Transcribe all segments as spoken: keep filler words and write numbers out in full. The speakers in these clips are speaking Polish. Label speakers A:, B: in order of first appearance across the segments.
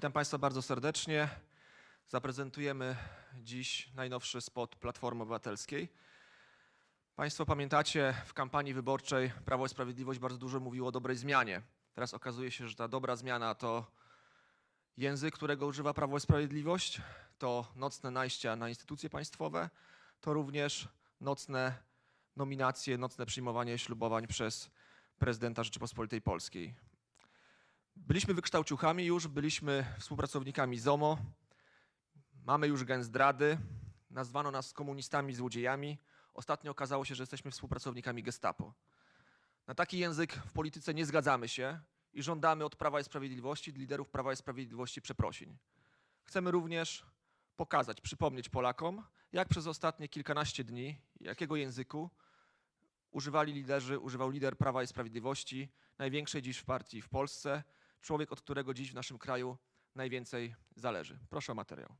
A: Witam Państwa bardzo serdecznie. Zaprezentujemy dziś najnowszy spot Platformy Obywatelskiej. Państwo pamiętacie, w kampanii wyborczej Prawo i Sprawiedliwość bardzo dużo mówiło o dobrej zmianie. Teraz okazuje się, że ta dobra zmiana to język, którego używa Prawo i Sprawiedliwość, to nocne najścia na instytucje państwowe, to również nocne nominacje, nocne przyjmowanie ślubowań przez prezydenta Rzeczypospolitej Polskiej. Byliśmy wykształciuchami już, byliśmy współpracownikami ZOMO, mamy już gen zdrady, nazwano nas komunistami, złodziejami. Ostatnio okazało się, że jesteśmy współpracownikami Gestapo. Na taki język w polityce nie zgadzamy się i żądamy od Prawa i Sprawiedliwości, od liderów Prawa i Sprawiedliwości przeprosin. Chcemy również pokazać, przypomnieć Polakom, jak przez ostatnie kilkanaście dni, jakiego języku używali liderzy, używał lider Prawa i Sprawiedliwości, największej dziś w partii w Polsce, człowiek, od którego dziś w naszym kraju najwięcej zależy. Proszę o materiał.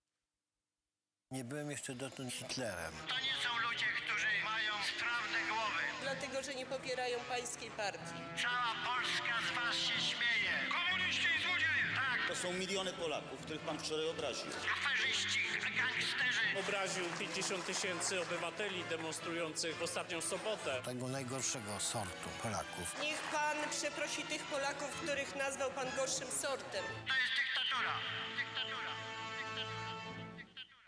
B: Nie byłem jeszcze dotąd Hitlerem.
C: To nie są ludzie, którzy mają sprawne głowy.
D: Dlatego, że nie popierają pańskiej partii.
C: Cała Polska z was się śmieje. Komuniści i złodzieje! Tak,
E: To są miliony Polaków, których pan wczoraj obraził.
C: aferzyści, gangsterzy.
F: Obraził pięćdziesiąt tysięcy obywateli demonstrujących w ostatnią sobotę.
B: Tego najgorszego sortu Polaków.
D: Niech pan przeprosi tych Polaków, których nazwał pan gorszym sortem.
C: To jest dyktatura. Dyktatura. Dyktatura. Dyktatura.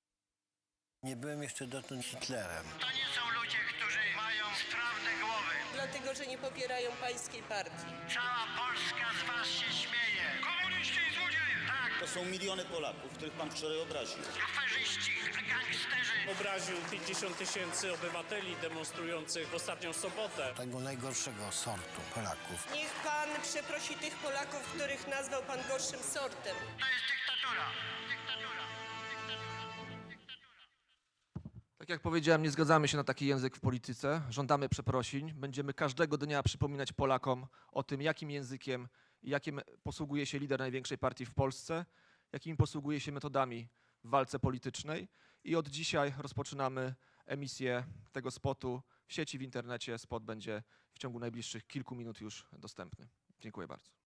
B: Nie byłem jeszcze dotąd Hitlerem.
C: To nie są ludzie, którzy mają sprawne głowy.
D: Dlatego, że nie popierają pańskiej partii.
C: Cała Polska z was się śmieje. Komuniści i złodzieje. Tak,
E: To są miliony Polaków, których pan wczoraj obraził.
C: aferzyści, gangsterzy.
F: Obraził pięćdziesiąt tysięcy obywateli demonstrujących w ostatnią sobotę.
B: Tego najgorszego sortu Polaków.
D: Niech pan przeprosi tych Polaków, których nazwał pan gorszym sortem.
C: To jest dyktatura. Dyktatura. Dyktatura. Dyktatura.
A: Tak jak powiedziałem, nie zgadzamy się na taki język w polityce, żądamy przeprosin. Będziemy każdego dnia przypominać Polakom o tym, jakim językiem i jakim posługuje się lider największej partii w Polsce, jakimi posługuje się metodami w walce politycznej. I od dzisiaj rozpoczynamy emisję tego spotu w sieci, w internecie. Spot będzie w ciągu najbliższych kilku minut już dostępny. Dziękuję bardzo.